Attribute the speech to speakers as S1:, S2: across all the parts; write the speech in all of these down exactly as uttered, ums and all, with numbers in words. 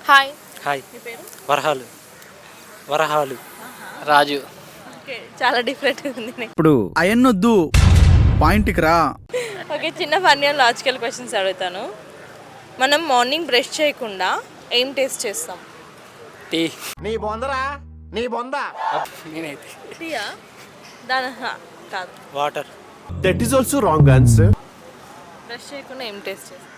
S1: Hi.
S2: Hi.
S1: మీ పేరు?
S2: వరహాలు. వరహాలు.
S3: రాజు.
S1: ఓకే, చాలా డిఫరెంట్ ఉంది.
S4: ఇప్పుడు అయన్నొద్దు, పాయింట్కి రా.
S1: ఓకే, చిన్న ఫన్నీ అండ్ లాజికల్ క్వశ్చన్స్ అడుగుతాను. మనం మార్నింగ్ బ్రష్ చేయకుండా ఏం టేస్ట్ చేస్తాం?
S3: టీ.
S5: నీ బొందరా నీ బొంద
S3: నేనైతే
S1: టీయా? దాని హా, కాదు.
S2: Water.
S5: That is also wrong answer.
S1: Brush చేయకుండా ఏం టేస్ట్ చేస్తాం?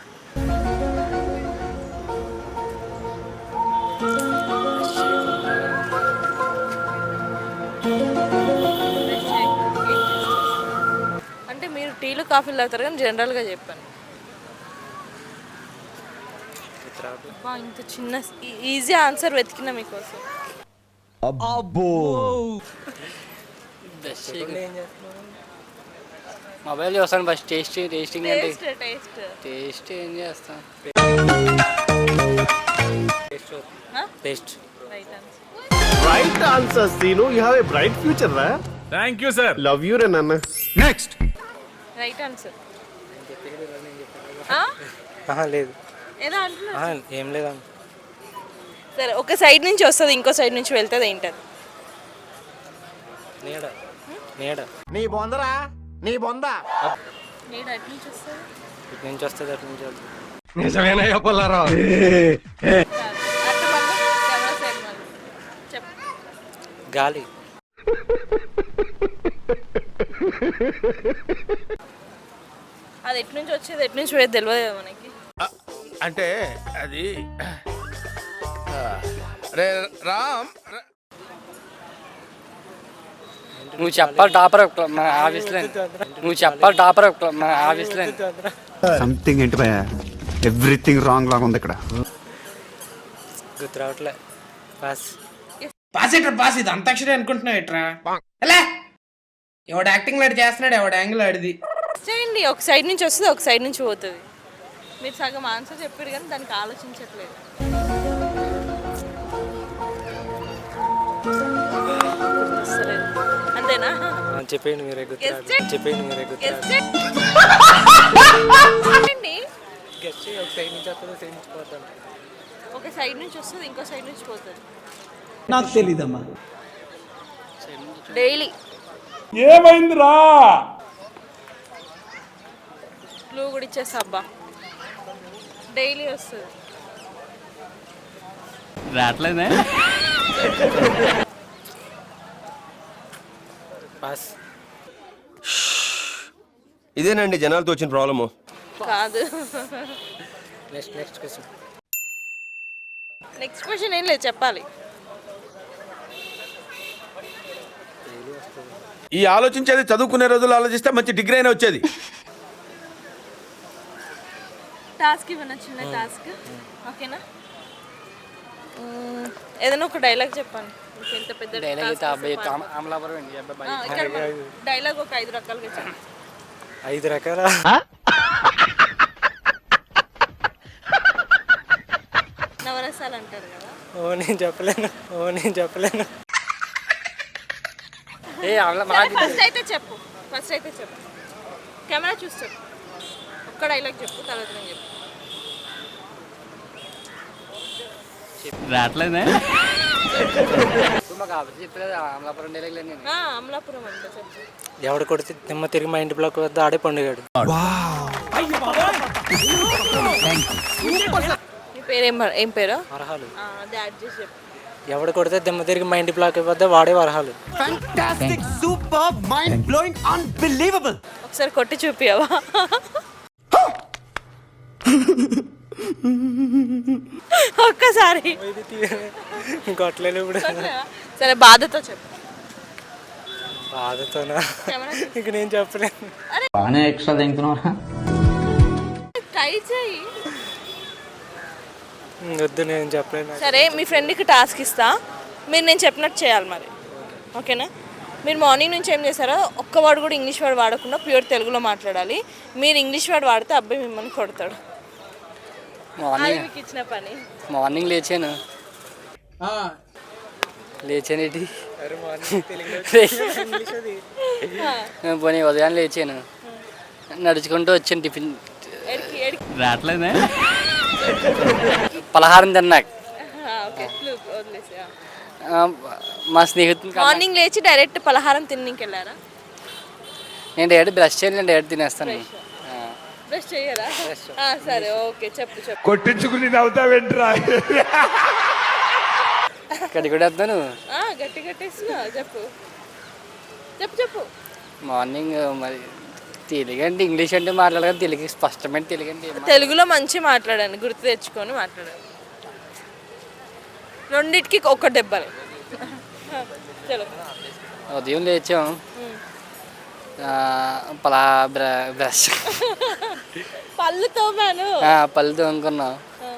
S1: Brush చేయకుండా ఏం taste చేస్తాం? అంటే మీరు టీలు కాఫీలు తాగుతారు కానీ జనరల్గా చెప్పాను. అబ్బా, ఇంత చిన్న ఈజీ ఆన్సర్ వెతికినా మీకోసం.
S3: మొబైల్ చూస్తాను ఫస్ట్. టేస్ట్ టేస్టింగ్ అంటే
S1: టేస్ట్ టేస్ట్
S3: టేస్ట్ ఏం చేస్తాం.
S2: Taste.
S1: Right answer.
S5: Right answer Seenu. You have a bright future రా.
S6: Thank you sir.
S5: Love you రే నాన్న.
S4: నెక్స్ట్.
S1: Right answer.
S2: ఆహా, లేదు.
S1: ఏదో అంటున్నా.
S2: ఆహా, ఏం లేదా.
S1: సరే, ఒక సైడ్ నుంచి వస్తుంది, ఇంకో సైడ్ నుంచి వెళ్తుంది, ఏంటది?
S2: నీడ. నీడ.
S5: నీ బొందరా నీ బొంద
S1: నీడ ఎటు నుంచి వస్తుంది?
S2: ఇటు నుంచి వస్తుంది, అటు నుంచి వస్తుంది.
S5: నిజమేనయ్యా పుల్లారావు.
S1: అటు మళ్ళీ కెమెరా సైడ్ మళ్ళీ చెప్పు.
S2: గాలి.
S1: అది ఎటు నుంచి వచ్చేది ఎటు నుంచి పోయేది తెలియదు కదా మనకి.
S6: అంటే అది రే రామ్.
S3: నువ్వు చెప్పాలి టాపర్ మన ఆఫీస్లో. నువ్వు చెప్పాలి టాపర్ మన ఆఫీస్లో.
S7: సంథింగ్ ఏంటి భయ, ఎవ్రీథింగ్ రాంగ్ లాగా ఉంది ఇక్కడ.
S2: గుర్తు రావట్లే. పాస్.
S8: పాస్ ఎట్రా పాస్. ఇది అంతాక్షరి అనుకుంటున్నావు ఎట్రా? ఎలా ఎవడు యాక్టింగ్ లాడు చేస్తున్నాడు, ఎవడు యాంగిల్ ఆడిది.
S1: చేయండి, ఒక సైడ్ నుంచి వస్తుంది, ఒక సైడ్ నుంచి పోతుంది. మీరు సగం ఆన్సర్ చెప్పారు కానీ దానికి ఆలోచించట్లేదు. వస్తలేదు. అంతేనా?
S2: చెప్పేయండి మీరే. గుర్తు
S1: Guess
S2: రావట్లే.
S1: it.
S2: చెప్పేయండి మీరే. గుర్తు
S1: Guess
S2: రావట్లే.
S1: it. చెప్పండి.
S2: గెస్ చేయి. ఒక సైడ్ నుంచి వస్తుంది, సైడ్ నుంచి పోతాం.
S1: ఒక సైడ్ నుంచి వస్తుంది, ఇంకో సైడ్ నుంచి పోతుంది.
S4: నాకు తెలీదమ్మా.
S1: డైలీ.
S6: ఏమైందిరా?
S1: క్లూ కూడా ఇచ్చేస్తా అబ్బా. డైలీ వస్తుంది.
S3: రావట్లేదే.
S2: పాస్.
S9: ఇదేనండి జనాలతో వచ్చిన ప్రాబ్లము.
S1: కాదు.
S2: Next next question.
S1: Next question ఏం లేదు, చెప్పాలి.
S6: ఈ ఆలోచించేది చదువుకునే రోజులు ఆలోచిస్తే మంచి డిగ్రీ అయినా వచ్చేది.
S1: టాస్క్ ఇవ్వనా? చిన్న టాస్క్. ఓకేనా? మ్మ్, ఏదైనా ఒక డైలాగ్ చెప్పండి. మీకు ఎంత పెద్ద
S3: డైలాగ్ అయితే
S1: task
S3: అబ్బాయి
S1: వస్తే పాడతారు.
S3: అమలాపురం అండి అబ్బాయి.
S1: ఆ, ఇక్కడ మన డైలాగ్ ఒక ఐదు రకాలుగా చెప్పండి.
S2: ఐదు రకాల.
S1: నవరసాలు అంటారు కదా.
S2: ఓ నేను చెప్పలేను. ఓ నేను చెప్పలేను.
S3: ఏ అమలా
S1: సరే, ఫస్ట్ అయితే చెప్పు. ఫస్ట్ అయితే చెప్పు. కెమెరా చూసి చెప్పు. ఒక్క డైలాగ్ చెప్పు, తర్వాత నేను చెప్పు.
S3: రావట్లేదే. మాకు ఆఫీస్ చెప్పలేదు అమలాపురం డైలాగ్. నేను
S1: ఆ, అమలాపురం అంట చెప్పు.
S2: ఎవడు కొడితే తిమ్మ తిరిగి మా ఇంటి బ్లాక్ వద్ద ఆడే పండుగాడు.
S1: నీ పేరేం ఏం పేరు?
S2: వరహాలు.
S1: ఆ, అది యాడ్ చేసి చెప్పు.
S2: ఎవడు కొడితే దిమ్మ తిరిగి మా ఇంటి బ్లాక్ వద్ద వాడే వరహాలు.
S1: ఒకసారి కొట్టి చూపియవా? ఒక్కసారి.
S2: ఇంకొట్లేదు ఇప్పుడు.
S1: సరే, బాధతో చెప్పు.
S2: బాధతోనా?
S1: కెమెరా
S2: ఇక నేను చెప్పలేను.
S7: బాగానే ఎక్స్ట్రా తింటున్నారా?
S1: ట్రై చేయి.
S2: వద్దు, నేను చెప్పలేను.
S1: సరే, మీ ఫ్రెండ్కి టాస్క్ ఇస్తా, మీరు నేను చెప్పినట్టు చేయాలి మరి. ఓకేనా? మీరు మార్నింగ్ నుంచి ఏం చేస్తారో ఒక్క వర్డ్ కూడా ఇంగ్లీష్ వర్డ్ వాడకుండా ప్యూర్ తెలుగులో మాట్లాడాలి. మీరు ఇంగ్లీష్ వర్డ్ వాడితే అబ్బాయి మిమ్మల్ని కొడతాడు. అది
S3: మార్నింగ్
S1: మీకు ఇచ్చిన పని.
S3: మార్నింగ్ లేచాను. లేచానేటి పోనీ ఉదయాన్నే లేచాను. నడుచుకుంటూ వచ్చాను టిఫిన్. రావట్లేదే. పలహారం తిన్నాక
S1: ఓకే క్లూ వదిలేసి
S3: ఆ, మా స్నేహితుని కన్నా-
S1: మార్నింగ్ లేచి డైరెక్ట్ పలహారం తినడానికి వెళ్ళారా?
S3: నేను డైరెక్ట్ బ్రష్ చేయాలి, నేను డైరెక్ట్ తినేస్తాను. ఆ.
S1: బ్రష్ చేయరా? ఆ, సరే ఓకే చెప్పు చెప్పు.
S6: కొట్టించుకుని నవ్వుతావేంట్రా?
S3: ఇక్కడికి కూడా వస్తాను.
S1: ఆ, గట్టి గట్టేస్తున్నా చెప్పు చెప్పు చెప్పు.
S3: మార్నింగ్ మరి తెలుగు అంటే ఇంగ్లీష్ అంటే మాట్లాడగా తెలుగు స్పష్టమైన తెలుగు అంటే ఏం
S1: తెలుగులో మంచి మాట్లాడండి, గుర్తు తెచ్చుకొని మాట్లాడండి. రెండిటికి ఒక్క దెబ్బలే. చలో.
S3: ఉదయం లేచాం, ఆ, పలా బ్ర బ్రష్
S1: పళ్ళు తోమాను.
S3: ఆ, పళ్ళు తోముకున్నాం,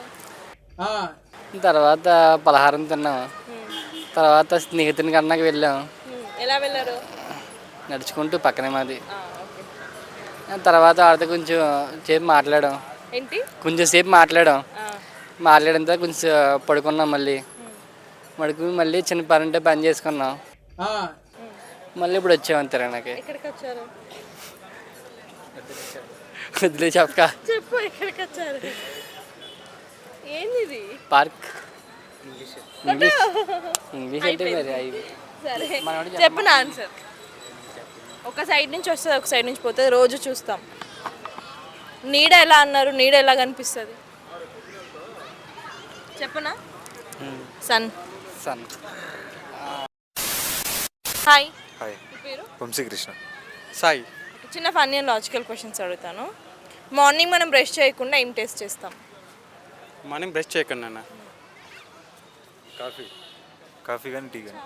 S3: తర్వాత పలహారం తిన్నాం, తర్వాత స్నేహితుని కన్నాకి వెళ్ళాం.
S1: ఉమ్, ఎలా వెళ్ళారు?
S3: నడుచుకుంటూ పక్కనే మాది.
S1: ఆ, ఓకే.
S3: తర్వాత వాడితో కొంచెం సేపు మాట్లాడాం,
S1: ఏంటి?
S3: కొంచెం సేపు మాట్లాడాం.
S1: ఆ,
S3: మాట్లాడిన తర్వాత కొంచెం పడుకున్నాం, మళ్ళీ పడుకుని మళ్ళీ చిన్న పని ఉంటే పని చేసుకున్నాం, మళ్ళీ ఇప్పుడు వచ్చాము తిరగడానికి.
S1: ఎక్కడికి వచ్చారు?
S3: వదిలే చెప్పక
S1: చెప్పు ఎక్కడికి వచ్చారు? ఏంది ఇది?
S3: పార్క్. ఇంగ్లీష్ ఇంగ్లీష్ ఇంగ్లీష్ అంటే మరి అవి
S1: సరే
S3: మనోడు
S1: చెప్పు నా ఆన్సర్. ఒక సైడ్ నుంచి వస్తుంది, ఒక సైడ్ నుంచి పోతుంది, రోజు చూస్తాం. నీడ ఎలా అన్నారు? నీడ ఎలా కనిపిస్తుంది చెప్పనా? సన్.
S3: సన్.
S1: హాయ్,
S10: హాయ్,
S1: మీ పేరు?
S10: వంశీకృష్ణ. సాయి.
S1: చిన్న ఫన్నీ అండ్ లాజికల్ క్వశ్చన్స్ అడుగుతాను. మార్నింగ్ మనం బ్రష్ చేయకుండా ఏం టేస్ట్ చేస్తాం?
S10: మార్నింగ్ బ్రష్ చేయకుండా కాఫీ. కాఫీ కానీ టీ కానీ.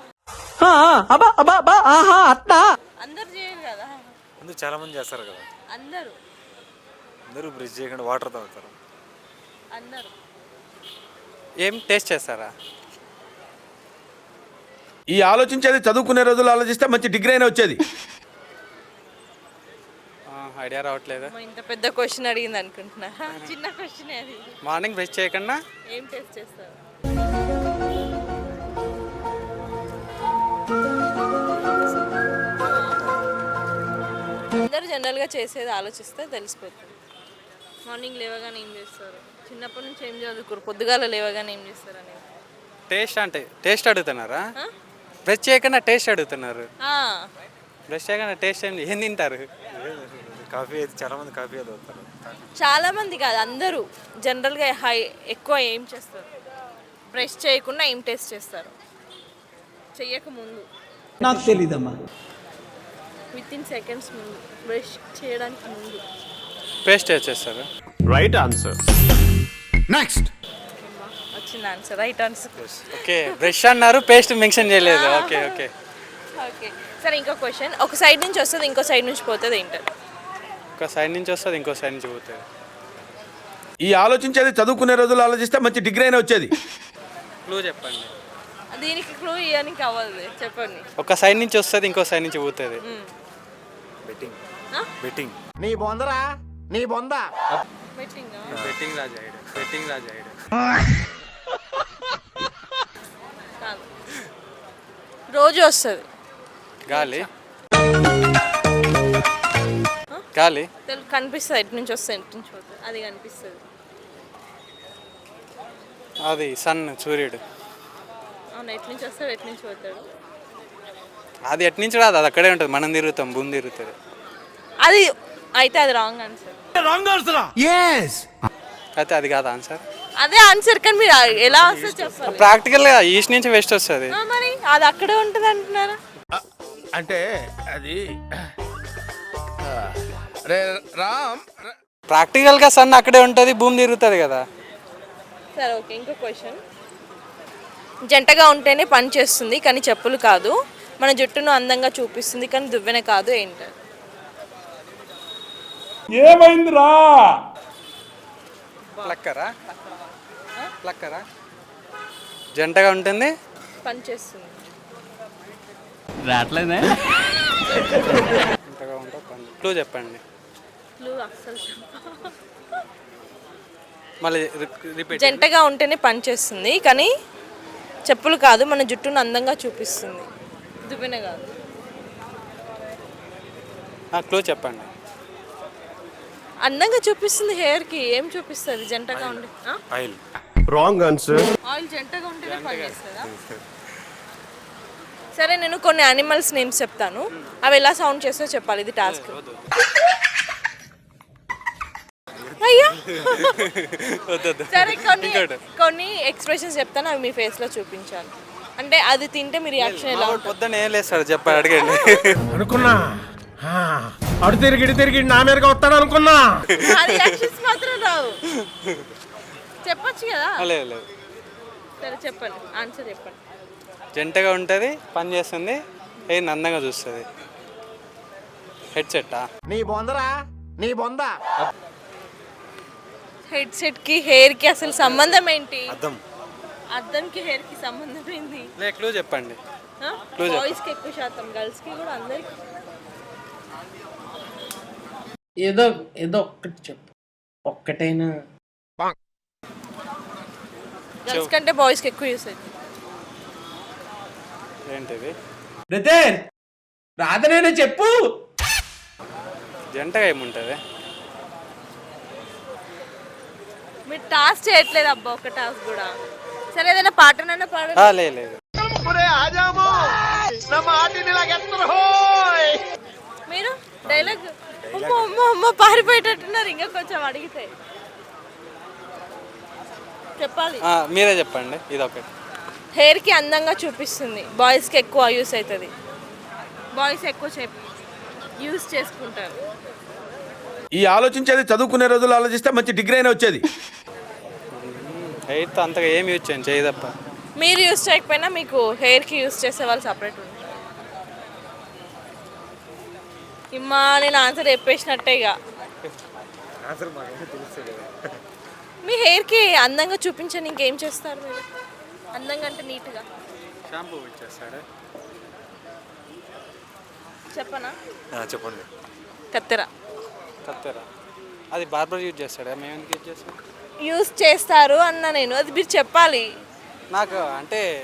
S1: అందరు చేయరు కదా.
S10: అందరూ చాలా మంది చేస్తారు కదా.
S1: అందరూ
S10: అందరూ బ్రష్ చేయకుండా వాటర్ తాగుతారు.
S1: అందరూ
S10: ఏం టేస్ట్ చేస్తారా?
S6: ఈ ఆలోచించేది చదువుకునే రోజులు ఆలోచిస్తే మంచి డిగ్రీ అయినా వచ్చేది.
S10: ఐడియా రావట్లేదు.
S1: అమ్మో, ఇంత పెద్ద క్వశ్చన్ అడిగింది అనుకుంటున్నా. చిన్న క్వశ్చన్ అది.
S10: మార్నింగ్ బ్రష్ చేయకుండా
S1: ఏం టేస్ట్ చేస్తారు? అందరూ జనరల్గా చేసేది ఆలోచిస్తే తెలిసిపోతుంది. మార్నింగ్ లేవగానే ఏం చేస్తారు? చిన్నప్పటి నుంచి ఏం చదువుకోరు, పొద్దుగాల లేవగానే ఏం చేస్తారు అనేది.
S10: టేస్ట్ అంటే టేస్ట్ అడుగుతున్నారా? బ్రష్ చేయకుండా టేస్ట్ అడుగుతున్నారు.
S1: ఆ,
S10: బ్రష్ చేయకుండా టేస్ట్ ఏంటి? ఏం తింటారు? కాఫీ అయితే చాలా మంది కాఫీ తాగుతారు.
S1: చాలా మంది కాదు, అందరూ జనరల్గా హై ఎక్కువ ఏం చేస్తారు? బ్రష్ చేయకుండా ఏం టేస్ట్ చేస్తారు? చెయ్యక ముందు,
S4: నాకు తెలీదమ్మా.
S1: విత్ ఇన్ సెకండ్స్ ముందు, బ్రష్ చేయడానికి ముందు.
S10: పేస్ట్ చేస్తారు.
S5: Right answer.
S4: నెక్స్ట్.
S1: వచ్చింది answer, right answer.
S10: Okay, brush అన్నారు, పేస్ట్ మెన్షన్ చేయలేదు. ఓకే ఓకే
S1: ఓకే సరే, ఇంకో క్వశ్చన్. ఒక సైడ్ నుంచి వస్తుంది, ఇంకో సైడ్ నుంచి పోతుంది, ఏంటది?
S10: ఒక సైడ్ నుంచి వస్తుంది, ఇంకో సైడ్ నుంచి పోతుంది.
S6: ఈ ఆలోచించేది చదువుకునే రోజులు ఆలోచిస్తే మంచి డిగ్రీ అయినా వచ్చేది.
S10: క్లూ చెప్పండి.
S1: దీనికి క్లూ ఇవ్వడానికి అవ్వదు, చెప్పండి.
S10: ఒక సైడ్ నుంచి వస్తుంది, ఇంకో సైడ్ నుంచి పోతుంది.
S5: బెట్టింగ్.
S1: ఆ?
S5: బెట్టింగ్. నీ బొందరా, నీ బొందా.
S1: బెట్టింగ్
S10: బెట్టింగ్ రాజా బెట్టింగ్ రాజా
S1: కాదు, రోజు వస్తుంది.
S10: గాలి. గాలి
S1: తెలు- కనిపిస్తుంది, ఎటు నుంచి వస్తుంది ఎటు నుంచి పోతుంది, అది కనిపిస్తుంది.
S10: అది సన్, సూర్యుడు.
S1: అవును, ఎటు నుంచి వస్తాడు ఎటు నుంచి పోతాడు?
S10: అది ఎటు నుంచి రాదు, అది అక్కడే ఉంటుంది. మనం తిరుగుతాం, భూమి తిరుగుతుంది.
S1: అది అయితే అది రాంగ్ ఆన్సర్.
S10: అయితే అది కాదు ఆన్సర్.
S1: అదే ఆన్సర్, కానీ మీరు ఎలా వస్తుంది చెప్పాలి.
S10: ప్రాక్టికల్గా ఈస్ట్ నుంచి వెస్ట్ వస్తుంది.
S1: ఆ, మరి అది అక్కడే ఉంటుంది అంటున్నారా?
S6: అంటే అది రే రామ్ ర-
S10: ప్రాక్టికల్గా సన్ అక్కడే ఉంటుంది, భూమి తిరుగుతుంది కదా.
S1: సరే ఓకే, ఇంకో క్వశ్చన్. జంటగా ఉంటేనే పని చేస్తుంది కానీ చెప్పులు కాదు, మన జుట్టును అందంగా చూపిస్తుంది కానీ దువ్వెన కాదు, ఏంటి?
S6: ఏమైందిరా?
S10: ప్లక్కరా? ప్లక్కరా? జంటగా ఉంటుంది,
S1: పని చేస్తుంది.
S7: రావట్లేదే.
S10: జంటగా ఉంటే పని. క్లూ చెప్పండి.
S1: క్లూ అస్సలు చెప్పు.
S10: మళ్ళీ రిపీట్.
S1: జంటగా ఉంటేనే పని చేస్తుంది కానీ చెప్పులు కాదు, మన జుట్టును అందంగా చూపిస్తుంది, దువ్వెన కాదు.
S10: క్లూ చెప్పండి.
S1: అందంగా చూపిస్తుంది హెయిర్కి, ఏం చూపిస్తుంది జంటగా ఉండి? ఆ?
S10: ఆయిల్.
S5: Wrong answer.
S1: ఆయిల్ జంటగా ఉంటేనే పనిచేస్తుందా? సరే నేను కొన్ని యానిమల్స్ నేమ్స్ చెప్తాను, అవి ఎలా సౌండ్ చేస్తో చెప్పాలి. ఇది టాస్క్. అయ్యా సరే కొన్ని కొన్ని ఎక్స్ప్రెషన్స్ చెప్తాను, అవి మీ ఫేస్లో చూపించాలి. అంటే అది తింటే మీ రియాక్షన్ ఎలా ఉంటుంది?
S10: పొద్దున్న ఏం లేదు సార్ చెప్పాడు అడగండి.
S5: అనుకున్నా అడు తిరిగి ఇటు తిరిగి నా మీదగా వస్తాడు అనుకున్నా.
S1: ఆ రియాక్షన్స్ మాత్రం రావు. చెప్పొచ్చు కదా.
S10: లేదు లేదు
S1: సరే చెప్పండి, ఆన్సర్ చెప్పండి.
S10: జంటగా ఉంటుంది, పని చేస్తుంది, ఏ అందంగా చూస్తుంది. హెడ్ సెట్టా?
S5: నీ బొందరా నీ బొంద.
S1: హెడ్ సెట్ కి హెయిర్ కి అసలు సంబంధం ఏంటి?
S10: అద్దం.
S1: అద్దంకి హెయిర్ కి సంబంధం ఏంటి?
S10: లే క్లూ చెప్పండి. Clue చెప్పు.
S1: బాయ్స్ కి ఎక్కువ శాతం, గర్ల్స్ కి కూడా అందరికి.
S8: ఏదో ఏదో ఒక్కటి చెప్పు, ఒక్కటైనా.
S1: గర్ల్స్ కంటే బాయ్స్ కి ఎక్కువ యూస్ అవుతుంది.
S10: ఏంటిది?
S8: బ్రదర్ రాధనేనా చెప్పు.
S10: జంటగా ఏముంటుంది?
S1: మీరు టాస్క్ చేయట్లేదు అబ్బా, ఒక టాస్క్ కూడా. సరే ఏదైనా పాటనైనా పాడండి.
S10: ఆ, లే లేదు.
S1: మీరు డైలాగ్ అమ్మ అమ్మ అమ్మ పారిపోయేటట్టున్నారు. ఇంకా కొంచెం అడిగితే చెప్పాలి.
S10: ఆ, మీరే చెప్పండి. ఇది ఒకటి.
S1: హెయిర్ కి అందంగా చూపిస్తుంది, బాయ్స్ కి ఎక్కువ యూస్ అవుతుంది, బాయ్స్ ఎక్కువ చెప్పి యూస్ చేసుకుంటారు.
S6: ఈ ఆలోచించేది చదువుకునే రోజులు ఆలోచిస్తే మంచి డిగ్రీ అయినా వచ్చేది.
S10: హెయిర్తో అంతగా ఏమి యూజ్ చేయండి, చేయి తప్ప.
S1: మీరు యూస్ చేయకపోయినా మీకు హెయిర్ కి యూస్ చేసే వాళ్ళు సపరేట్ ఉంటారు. ఇమ్మా నేను ఆన్సర్ చెప్పేసినట్టే ఇక. మీ హెయిర్ కి అందంగా చూపించండి, ఇంకేం చేస్తారు మీరు? అందంగా అంటే నీట్గా
S10: షాంపూ ఇచ్చేస్తాడు.
S1: చెప్పనా?
S10: చెప్పండి.
S1: కత్తెర
S10: కత్తెర. అది బార్బర్ యూజ్ చేస్తాడా? మేము ఎందుకు యూజ్ చేస్తాం?
S1: యూస్ చేస్తారు అన్న నేను, అది మీరు చెప్పాలి.
S10: నాకు అంటే